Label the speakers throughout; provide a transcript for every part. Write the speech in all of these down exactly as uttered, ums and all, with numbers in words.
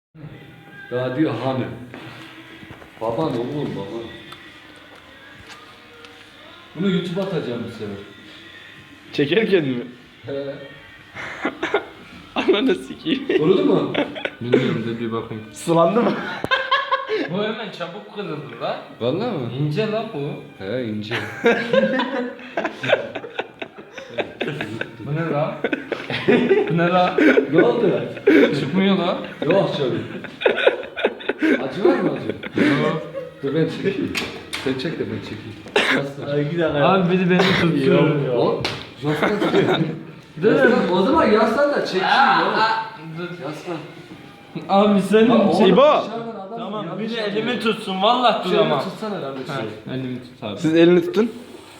Speaker 1: Daha diyor hani. Baban oğlum baba. Bunu YouTube'a atacağım bu sefer.
Speaker 2: Çekerken mi?
Speaker 1: He.
Speaker 2: Ananı sikeyim.
Speaker 1: Kurudu mu?
Speaker 3: Bilmiyorum da bir bakayım.
Speaker 2: Sulandı mı?
Speaker 3: Bu hemen çabuk kırıldı la.
Speaker 1: Vallahi mı?
Speaker 3: İnce la bu.
Speaker 1: He ince.
Speaker 3: Bu ne la? Bu ne la?
Speaker 1: Ne oldu?
Speaker 3: Çıkmıyor la.
Speaker 1: Yok şöyle. Acı var mı acı?
Speaker 3: Yok.
Speaker 1: Dur ben çekeyim. Sen çek de ben çekeyim. Yaslan.
Speaker 2: Ay gidelim.
Speaker 3: Abi biri beni tutuyor.
Speaker 1: O? Yaslan. Yaslan. O zaman yaslan da çekeyim oğlum.
Speaker 3: Dur.
Speaker 1: Yaslan.
Speaker 3: Abi sen
Speaker 1: Lan oğlum,
Speaker 2: İbo.
Speaker 1: dışarıdan adam
Speaker 3: Tamam
Speaker 1: yanlış
Speaker 3: biri
Speaker 1: yapıyor.
Speaker 3: elimi tutsun vallahi
Speaker 1: Şöyle
Speaker 3: duramam.
Speaker 1: tutsana lan bir
Speaker 3: Ha,
Speaker 1: şey.
Speaker 3: elimi tut abi.
Speaker 2: Siz elini tutun.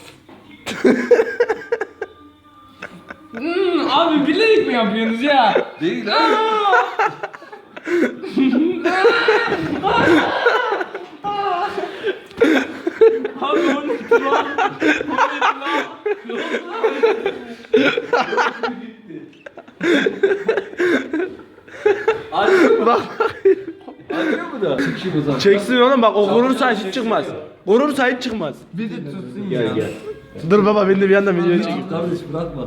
Speaker 3: Hmm, abi bilerek mi yapıyorsunuz ya?
Speaker 1: Değil lan.
Speaker 3: Abi o ne lan? O ne lan?
Speaker 1: Acıyor mu?
Speaker 2: Bak.
Speaker 1: Acıyor mu da? Çekeyim o zaman.
Speaker 2: Çeksin oğlum bak o korursa hiç çıkmaz. Korursa hiç çıkmaz.
Speaker 3: Bir de tutsun ya.
Speaker 1: Gel gel.
Speaker 2: Dur baba ben de bir yandan video çekeyim.
Speaker 1: Kardeş bırakma.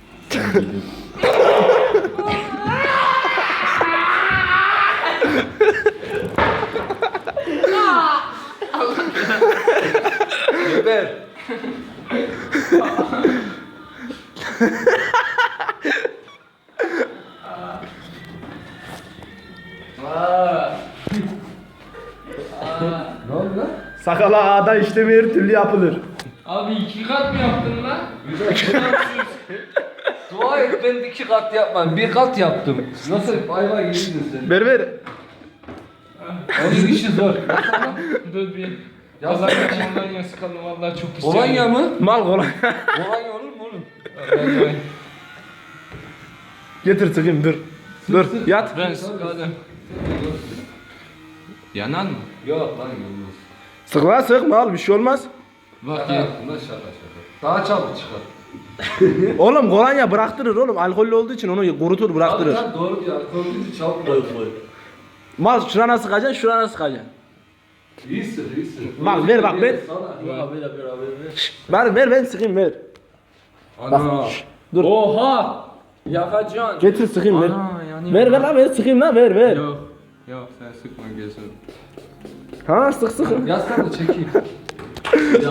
Speaker 1: Geber.
Speaker 3: Aa.
Speaker 1: Ne oldu lan?
Speaker 2: Sakala ağda işlemi her türlü yapılır.
Speaker 3: Abi iki kat mı yaptın lan?
Speaker 1: Dua et ben iki kat yapmam. Bir kat yaptım. Nasıl? Vay vay yedin sen.
Speaker 2: Ver ver.
Speaker 1: Onun işi zor.
Speaker 3: Dur bir.
Speaker 1: Ya
Speaker 3: Kolonya kolonya sıkalım vallahi çok pis.
Speaker 1: Kolonya mı?
Speaker 2: Mal kolay.
Speaker 1: Kolonya olur mu oğlum?
Speaker 3: Vallahi.
Speaker 2: Getir sıkayım dur. Dur yat.
Speaker 3: Ben sıkalım. Yanar mı?
Speaker 1: Yok lan olmaz.
Speaker 2: Sık lan sık mal bir şey olmaz.
Speaker 3: Bak
Speaker 1: Şaka
Speaker 3: ya.
Speaker 1: yaptım lan şaka şaka. Daha çabuk çıkar.
Speaker 2: Oğlum kolonya bıraktırır oğlum. Alkollü olduğu için onu kurutur bıraktırır.
Speaker 1: Abi doğru diyor. Alkolünü çabuk bırakıyor.
Speaker 2: Mal şurana sıkacaksın şurana sıkacaksın.
Speaker 1: İyisin iyisin.
Speaker 2: Bak, ver, bak, ver.
Speaker 1: Sana. Yok ver ver ver ver.
Speaker 2: Ver ver ben sıkayım ver.
Speaker 1: Ana.
Speaker 2: Şşş, dur.
Speaker 3: Oha! Yakacaksın.
Speaker 2: Getir sıkayım ver.
Speaker 3: Ana, yanıyor.
Speaker 2: Ver ver lan ver sıkayım lan ver ver.
Speaker 3: Yok. Yok sen sıkma gözünü.
Speaker 2: Ha sık sık.
Speaker 1: Yaslan da çekeyim.